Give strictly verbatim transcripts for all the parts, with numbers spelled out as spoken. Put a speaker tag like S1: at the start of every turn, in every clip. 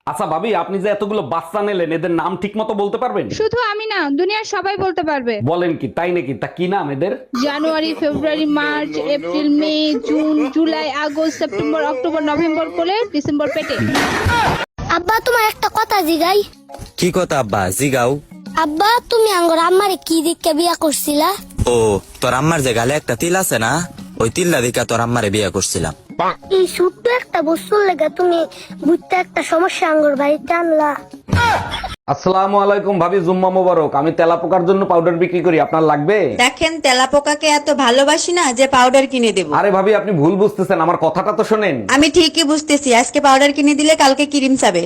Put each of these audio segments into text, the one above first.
S1: আচ্ছা ভাবি, আপনি যে এতগুলো বাচ্চা নিলেন এদের নাম ঠিক মতো বলতে পারবেন?
S2: শুধু আমি না, দুনিয়ার সবাই বলতে পারবে।
S1: বলেন কি, তাই নাকি? তা কি নাম এদের?
S2: January, February, March, April, May, June, July, August, September, October, November করে ডিসেম্বর পেটে।
S3: আব্বা তোমার একটা কথা জিগাই।
S4: কি কথা আব্বা জিগাও?
S3: আব্বা তুমি আঙ্গর আম্মারে কি দিককে বিয়া করছিলা?
S4: ও তোর আম্মার যে গালে একটা তিল আছে না, ওই তিল্লা দিকা তোর আম্মারে বিয়ে করছিলাম।
S3: এই ছোট্ট একটা বস্তুর লেগে তুমি বুঝতে একটা সমস্যা আঙ্গর বাড়িতে আনলা।
S1: আসসালামু আলাইকুম ভাবি, জুম্মা মোবারক। আমি তেলা পোকার জন্য পাউডার বিক্রি করি, আপনার লাগবে?
S5: দেখেন তেলাপোকাকে এত ভালোবাসি না যে পাউডার কিনে দেব।
S1: আরে ভাবি, আপনি ভুল বুঝতেছেন, আমার কথাটা তো শোনেন।
S5: আমি ঠিকই বুঝতেছি, আজকে পাউডার কিনে দিলে কালকে ক্রিম চাবে।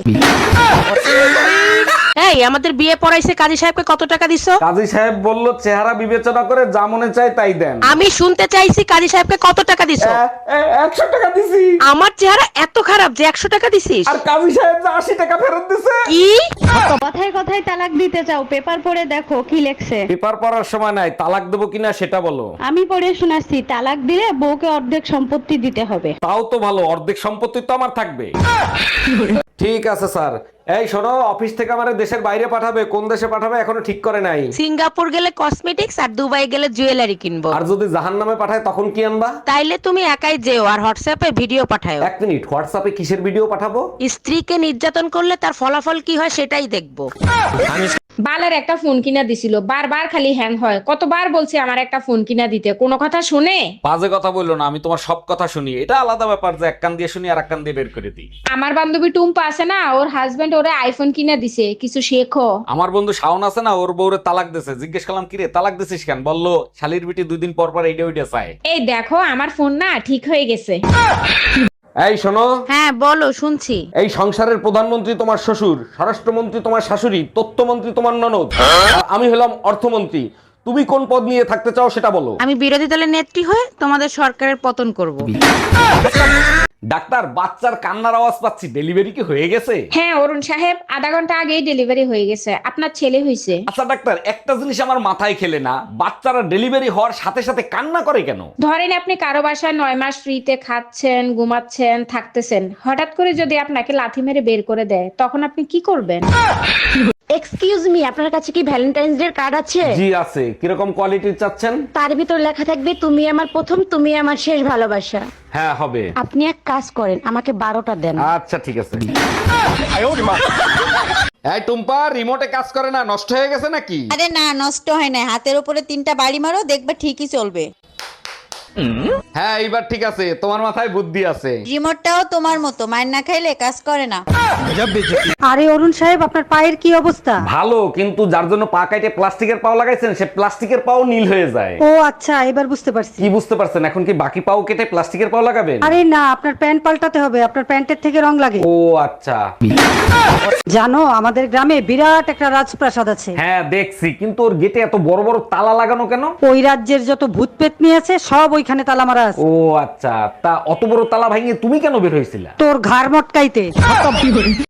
S6: এই আমাদের বিয়ে পড়াইছে কাজী সাহেবকে কত টাকা দিছো?
S1: কাজী সাহেব বলল চেহারা বিবেচনা করে যা মনে চায় তাই দেন।
S6: আমি শুনতে চাইছি কাজী সাহেবকে কত টাকা দিছো?
S1: এ, এ, একশো টাকা দিছি।
S6: আমার চেহারা এত খারাপ যে একশো টাকা দিছিস?
S1: আর কাজী সাহেব যে আশি টাকা ফেরত দিছে।
S6: কি?
S2: কথায় কথায় তালাক দিতে চাও, পেপার পড়ে দেখো কি লেখছে।
S1: পেপার পড়ার সময় নাই, তালাক দেবো কিনা সেটা বলো।
S2: আমি পড়ে শোনাচ্ছি, তালাক দিলে বউকে অর্ধেক সম্পত্তি দিতে হবে।
S1: তাও তো ভালো, অর্ধেক সম্পত্তি তো আমার থাকবে। ঠিক আছে স্যার। এই শোনো, অফিস থেকে আমার দেশের বাইরে পাঠাবে, কোন দেশে পাঠাবে এখনো ঠিক করে নাই।
S6: সিঙ্গাপুর গেলে কসমেটিক্স আর দুবাই গেলে জুয়েলারি কিনবো।
S1: আর যদি জাহান্নামে পাঠায় তখন কি আনবা?
S6: তাইলে তুমি একাই যেও আর হোয়াটসঅ্যাপে ভিডিও পাঠাও।
S1: এক মিনিট, হোয়াটসঅ্যাপে কিসের ভিডিও পাঠাবো?
S6: স্ত্রীকে নির্যাতন করলে তার ফলাফল কি হয় সেটাই দেখবো।
S7: বালের একটা ফোন কিনা দিছিল, বারবার খালি হ্যাং হয়। কতবার বলছি আমার একটা ফোন কিনা দিতে, কোনো কথা শুনে?
S1: বাজে কথা বললো না, আমি তোমার সব কথা শুনি। এটা আলাদা ব্যাপার যে এক কান দিয়ে শুনি আর এক কান দিয়ে বের করে দিই।
S7: আমার বান্ধবী টুম্পা আছে না, ওর হাজবেন্ড ওরে আইফোন কিনা দিছে, কিছু শেখো।
S1: আমার বন্ধু শাওন আছে না, ওর বউরে তালাক দিছে। জিজ্ঞেস করলাম কিরে তালাক দিছিস কেন? বললো শালির বিটি দুই দিন পর পর এইটা ওইটা চায়।
S7: এই দেখো আমার ফোন না ঠিক হয়ে গেছে।
S1: এই শোনো,
S6: হ্যাঁ বলো, শুনছি।
S1: এই সংসারের প্রধানমন্ত্রী তোমার শ্বশুর, স্বরাষ্ট্রমন্ত্রী তোমার শাশুড়ি, তথ্যমন্ত্রী তোমার ননদ, আর আমি হলাম অর্থমন্ত্রী। তুমি কোন পদ নিয়ে থাকতে চাও সেটা বলো।
S6: আমি বিরোধী দলের নেত্রী হয়ে তোমাদের সরকারের পতন করব।
S1: ডাক্তার, বাচ্চার কান্নার আওয়াজ পাচ্ছি, ডেলিভারি কি হয়ে গেছে?
S7: হ্যাঁ অরুণ সাহেব, আধা ঘন্টা আগেই ডেলিভারি হয়ে গেছে, আপনার ছেলে হয়েছে।
S1: আচ্ছা ডাক্তার, একটা জিনিস আমার মাথায় খেলে না, বাচ্চারা ডেলিভারি হওয়ার সাথে সাথে কান্না করে কেন?
S7: ধরেন আপনি কারো বাসায় নয় মাস ফ্রিতে খাচ্ছেন, ঘুমাচ্ছেন, থাকতেছেন, হঠাৎ করে যদি আপনাকে লাথি মেরে বের করে দেয়, তখন আপনি কি করবেন?
S8: এক্সকিউজ মি, আপনার কাছে কি ভ্যালেন্টাইন্স ডে কার্ড আছে?
S1: জি আছে। কিরকম কোয়ালিটির চাচ্ছেন?
S8: তার ভিতর লেখা থাকবে তুমি আমার প্রথম, তুমি আমার শেষ ভালোবাসা।
S1: হ্যাঁ হবে।
S8: আপনি এক কাজ করেন, আমাকে বারোটা দেন।
S1: আচ্ছা ঠিক আছে। এই টুম্পা, রিমোটে কাজ করে না, নষ্ট হয়ে গেছে নাকি?
S5: আরে না, নষ্ট হয় না, হাতের উপরে তিনটা বাড়ি মারো, দেখবে ঠিকই চলবে।
S1: হ্যাঁ এইবার ঠিক আছে, তোমার মাথায় বুদ্ধি আছে।
S5: রিমোটটাও তোমার মতো, মায়ের না খাইলে কাজ করে না।
S8: আরে অরুণ সাহেব, আপনার পায়ের কি অবস্থা?
S1: ভালো, কিন্তু যার জন্য পা কাটে প্লাস্টিকের পাও লাগাইছেন সে প্লাস্টিকের পাও নীল হয়ে যায়।
S8: ও আচ্ছা, এবার বুঝতে পারছি।
S1: কি বুঝতে পারছেন? এখন কি বাকি পাও কেটে প্লাস্টিকের পাও লাগাবেন?
S8: আরে না, আপনার প্যান্ট পাল্টাতে হবে, আপনার প্যান্টের থেকে রং লাগে।
S1: ও আচ্ছা।
S8: জানো আমাদের গ্রামে বিরাট একটা রাজপ্রাসাদ আছে।
S1: হ্যাঁ দেখছি, কিন্তু ওর গেটে এত বড় বড় তালা লাগানো কেন?
S8: ওই রাজ্যের যত ভূত পেতনি আছে সব ওইখানে তালা মারা আছে।
S1: ও আচ্ছা, তা অত বড় তালা ভাঙিয়ে তুমি কেন বের হয়েছিলা?
S8: তোর ঘাড় মটকাইতে।